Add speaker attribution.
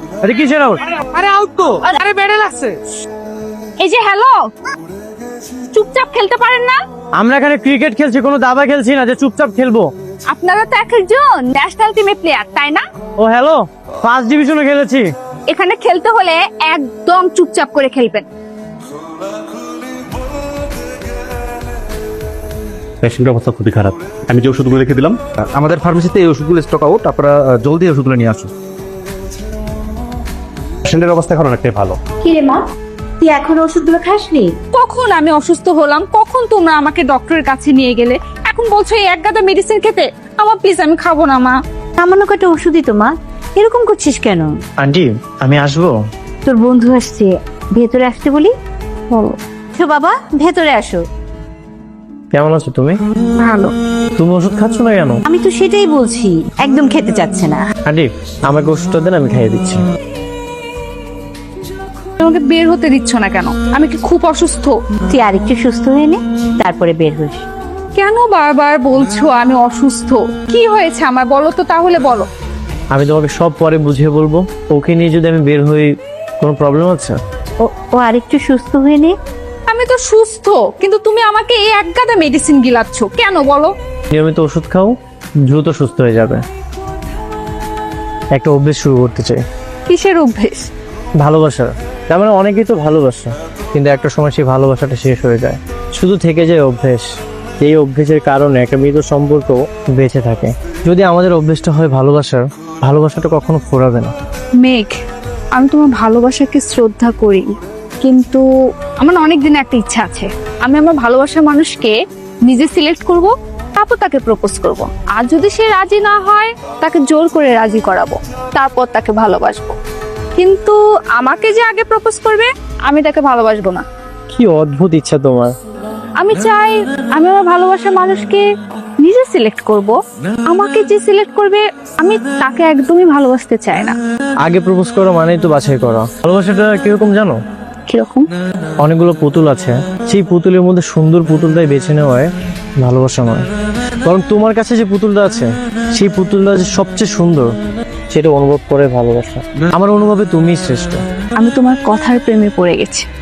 Speaker 1: আরে কিসের আউট?
Speaker 2: আরে আউট তো, আরে ব্যাটে লাগছে।
Speaker 3: এই যে হ্যালো, চুপচাপ খেলতে পারেন না?
Speaker 1: আমরা এখানে ক্রিকেট খেলছি, কোনো দাবা খেলছি না যে চুপচাপ খেলবো।
Speaker 3: আপনারা তো একজন ন্যাশনাল টিমের প্লেয়ার, তাই না?
Speaker 1: ও হ্যালো, ফার্স্ট ডিভিশনে খেলেছি।
Speaker 3: এখানে খেলতে হলে একদম চুপচাপ করে খেলবেন।
Speaker 4: পেশেন্টের অবস্থা খুবই খারাপ। আমি যে ওষুধগুলো লিখে দিলাম,
Speaker 5: আমাদের ফার্মেসিতে এই ওষুধগুলো স্টক আউট, আপনারা জলদি ওষুধগুলো নিয়ে আসুন।
Speaker 4: পেশেন্টের অবস্থা এখন অনেকটাই ভালো।
Speaker 6: কি রে মা, তুই এখন ওষুধগুলো খাসনি?
Speaker 3: কখন আমি অসুস্থ হলাম, কখন তোমরা আমাকে ডক্টরের কাছে নিয়ে গেলে, এখন বলছো এই এক গাদা মেডিসিন খেতে? আমার প্লিজ, আমি খাবো না মা।
Speaker 6: সামান্য কটা ওষুধই তো মা, এরকম করছিস কেন?
Speaker 1: আন্টি আমি আসবো?
Speaker 6: তোর বন্ধু আসছে, ভেতরে আসতে বলি। তো বাবা ভেতরে আসো।
Speaker 1: কেমন আছো তুমি?
Speaker 6: ভালো।
Speaker 1: তুমি ওষুধ খাচ্ছ না কেন?
Speaker 6: আমি তো সেটাই বলছি, একদম খেতে চাচ্ছে না।
Speaker 1: আন্টি আমাকে ওষুধটা দেন, আমি খাইয়ে দিচ্ছি।
Speaker 3: তোমাকে বের হতে দিচ্ছ না কেন? আমি কি খুব অসুস্থ?
Speaker 6: তুই আরেকটু সুস্থ হয়ে নে, তারপরে বের হইস।
Speaker 3: কেন বারবার বলছো আমি অসুস্থ? কি হয়েছে আমার, বলো তো তাহলে বলো।
Speaker 1: আমি তোমাকে সব পরে বুঝিয়ে বলবো। ওকে নিয়ে যদি আমি বের হই, কোনো প্রবলেম আছে?
Speaker 6: ও আরেকটু সুস্থ হয়ে নে।
Speaker 3: আমি তো সুস্থ, কিন্তু তুমি আমাকে এই এক গাদা মেডিসিন গিলাচ্ছ কেন বলো?
Speaker 1: নিয়মিত ওষুধ খাও, দ্রুত সুস্থ হয়ে যাবে। একটা অভ্যেস শুরু করতে চাই।
Speaker 3: কিসের অভ্যেস?
Speaker 1: ভালোবাসার। তার মানে অনেকেই তো ভালোবাসে, কিন্তু একটা সময় সেই ভালোবাসাটা শেষ হয়ে যায়, শুধু থেকে যায় অভ্যেস। এই অভ্যেসের কারণে একটা মৃত সম্পর্ক বেঁচে থাকে। যদি আমাদের অভ্যেসটা হয় ভালোবাসার, ভালোবাসাটা কখনো ফোরাবে না।
Speaker 3: মেঘ, আমি তোমার ভালোবাসাকে শ্রদ্ধা করি, কিন্তু আমার না অনেক দিনে একটা ইচ্ছা আছে। আমি আমার ভালোবাসার মানুষকে নিজে সিলেক্ট করব, তারপর তাকে প্রপোজ করব। আর যদি সে রাজি না হয়, তাকে জোর করে রাজি করাবো, তারপর তাকে ভালোবাসবো। কিন্তু আমাকে যে আগে প্রপোজ করবে, আমি তাকে ভালোবাসবো না।
Speaker 1: কি অদ্ভুত ইচ্ছা তোমার!
Speaker 3: আমি চাই আমি আমার ভালোবাসার মানুষকে নিজে সিলেক্ট করব। আমাকে যে সিলেক্ট করবে, আমি তাকে একদমই ভালোবাসতে চাই না।
Speaker 1: আগে প্রপোজ করো মানেই তো বাছাই করা। ভালোবাসাটা কিরকম জানো?
Speaker 3: কিরকম?
Speaker 1: অনেকগুলো পুতুল আছে, সেই পুতুলের মধ্যে সুন্দর পুতুলটাই বেছে নেওয়ায় ভালোবাসা নয়, বরং তোমার কাছে যে পুতুলটা আছে, সেই পুতুলটা যে সবচেয়ে সুন্দর, সেটা অনুভব করে ভালোবাসা। আমার অনুভবে তুমিই শ্রেষ্ঠ।
Speaker 3: আমি তোমার কথার প্রেমে পড়ে গেছি।